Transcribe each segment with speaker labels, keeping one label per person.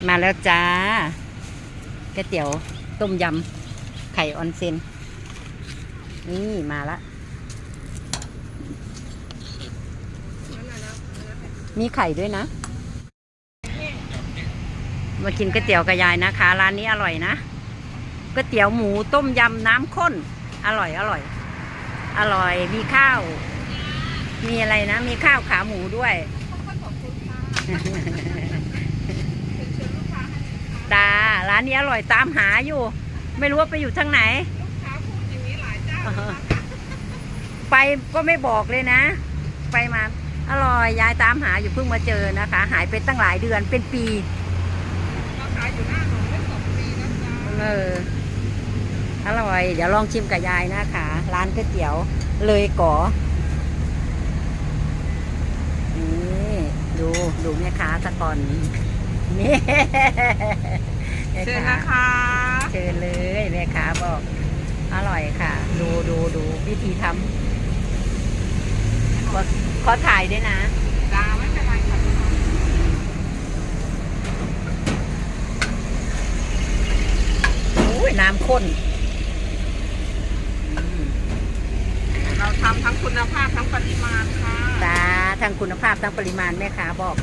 Speaker 1: มาแล้วจ้าก๋วยเตี๋ยวต้มยำไข่ออนเซ็นนี่มาละมีไข่ด้วยนะมากินก๋วยเตี๋ยวกับยายนะคะร้านนี้อร่อยนะก๋วยเตี๋ยวหมูต้มยำน้ำข้นอร่อยอร่อยอร่อยมีข้าวมีอะไรนะมีข้าวขาหมูด้วยตาร้านนี้อร่อยตามหาอยู่ไม่รู้ว่าไปอยู่ทางไหนลูกค้าพูดอย่างนี้หลายเจ้าไปก็ไม่บอกเลยนะไปมาอร่อยยายตามหาอยู่เพิ่งมาเจอนะคะหายไปตั้งหลายเดือนเป็นปีเราขายอยู่หน้าหนูได้2 ปีแล้วจ้าอร่อยเดี๋ยวลองชิมกับยายนะคะร้านก๋วยเตี๋ยวเลยก๋อนี่ดูแม่ค้าตะกอนนี่
Speaker 2: เชิญนะคะ
Speaker 1: เชิญเลยแม่ค้าบอกอร่อยค่ะดูวิธีทำขอถ่ายด้วยนะ
Speaker 2: จ้าไม่เป็นไรค่ะ
Speaker 1: โอ้ยน้ำข้น
Speaker 2: เราทำทั้งคุณภาพทั้งปริมาณค่ะ
Speaker 1: จ้าทั้งคุณภาพทั้งปริมาณแม่ค้าบอก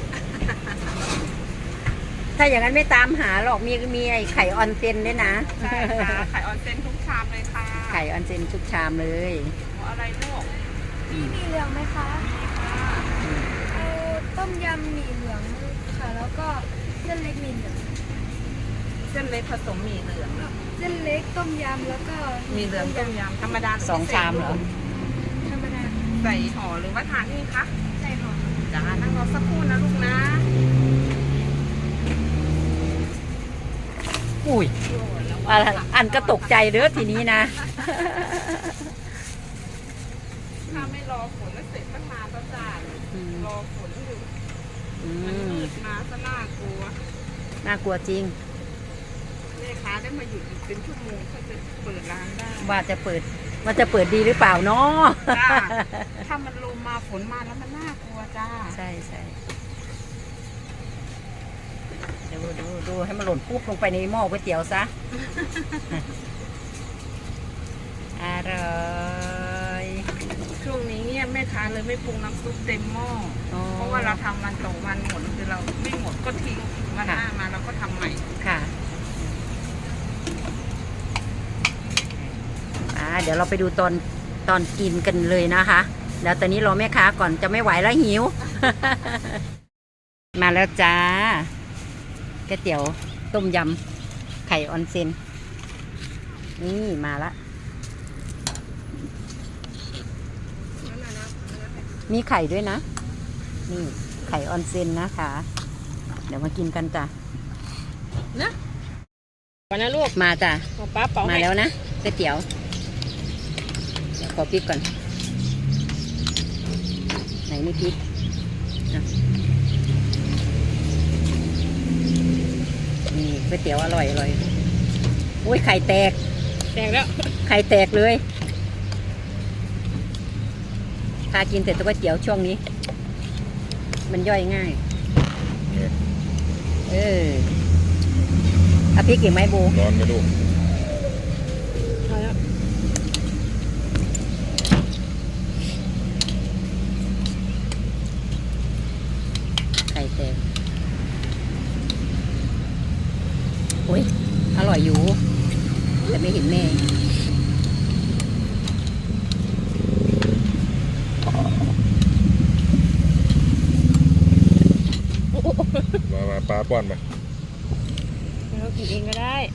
Speaker 1: ถ้าอย่างนั้นไม่ตามหาหรอกมีไอ้ไข่ออนเซ็นด้วยนะ
Speaker 2: ใช่ค่ะไข่ออนเซ็นทุกชามเลยค่ะ
Speaker 1: ไข่ออนเซ็นทุกชามเลย
Speaker 2: อะไรลูก
Speaker 3: มีเหลืองไหมคะ
Speaker 2: มีค่ะ
Speaker 3: เอาต้มยำหมี่เหลืองค่ะแล้วก็เส้นเล็กหมี่เหลือง
Speaker 2: เส้นเล็กผสมหมี่เหลือง
Speaker 3: เส้นเล็กต้มยำแล้วก็
Speaker 2: หมี่เหลืองต้มยำธรรมดา
Speaker 1: 2 ชามเหรอ
Speaker 3: ธรรมดา
Speaker 2: ใส่ห่อหรือว่าทานนี่คะ
Speaker 3: ใส่ห่อ
Speaker 2: จ้านั่งรอสักครู่นะลูกนะ
Speaker 1: อุ้ยอันก็ตกใจเด้อทีนี้นะ
Speaker 2: ถ้าไม่รอฝนแล้วเสร็จตั้งนานแล้วจ้ารอฝนอยู่มันมืดมาซะน่ากลัว
Speaker 1: จริง
Speaker 2: แม่ค้าได้มาอยู่อีกเป็นชั่วโมงเขาจะเปิดร้านได้
Speaker 1: ว่าจะเปิดดีหรือเปล่าเนาะ
Speaker 2: ถ้ามันลมมาฝนมาแล้วมันน่ากลัวจ้า
Speaker 1: ใช่ดูให้มันหล่นปุ๊บลงไปในหม้อก๋วยเตี๋ยวซะอร่อย
Speaker 2: ช่วงนี้เงียบแม่ค้าเลยไม่ปรุงน้ำซุปเต็มหม้อเพราะว่าเราทำวันต่อวันหมดคือเราไม่หมดก็ทิ้งวันหน้ามาเราก็ทำใหม่
Speaker 1: ค่ะเดี๋ยวเราไปดูตอนกินกันเลยนะคะแล้วตอนนี้รอแม่ค้าก่อนจะไม่ไหวแล้วหิว มาแล้วจ้าก๋วยเตี๋ยวต้มยำไข่ออนเซ็นนี่มาละมีไข่ด้วยนะนี่ไข่ออนเซ็นนะคะเดี๋ยวมากินกันจ้ะ
Speaker 2: นะก่อนนะลูก
Speaker 1: มาจ้ะ
Speaker 2: ป้าเป่า
Speaker 1: มาแล้วนะก๋วยเตี๋ยวขอพริกก่อนไหนนี่พริกนี่ก๋วยเตี๋ยวอร่อยโอ้ยไข่แตก
Speaker 2: แล้ว
Speaker 1: ไข่แตกเลยพากินเสร็จก๋วยเตี๋ยวช่วงนี้มันย่อยง่ายเอาพริกอีกไหมบู
Speaker 4: ร้อนไหมลูก
Speaker 1: ไข่แตกโอ้ยอร่อยอยู่แต่ไม่เห็นแม่
Speaker 4: มาปลาป้อนมา
Speaker 2: เรากินเองก็ได้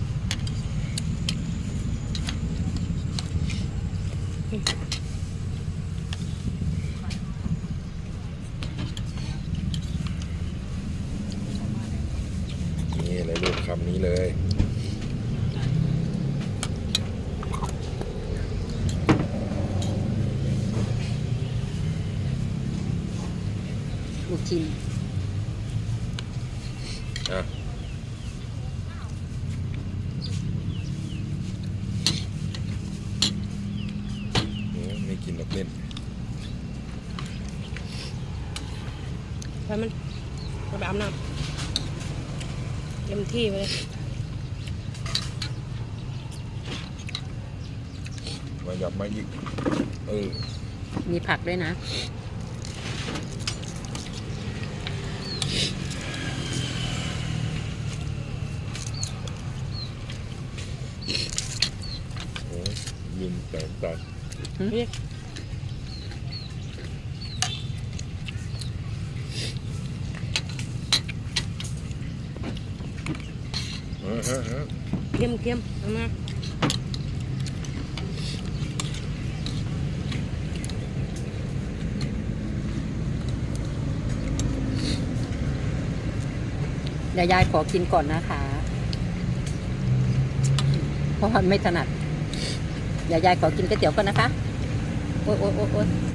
Speaker 4: นี่เลยลูกคำนี้เลย
Speaker 1: ลูกชิ้น
Speaker 4: ไม่กินหรอกเล่น
Speaker 2: ไปมันไปอาบน้ำเต็มที่ไปเลย
Speaker 4: มาหยับมาอีก
Speaker 1: ม
Speaker 4: เออี
Speaker 1: ผักด้วยนะ
Speaker 4: โอ้ยลืมแต่งตัด
Speaker 2: เรียก
Speaker 4: ฮะ
Speaker 2: เค็มเอามา
Speaker 1: เดี๋ยวยายขอกินก่อนนะคะ เพราะว่าไม่ถนัด เดี๋ยวยายขอกินก๋วยเตี๋ยวก่อนนะคะ โอ๊ย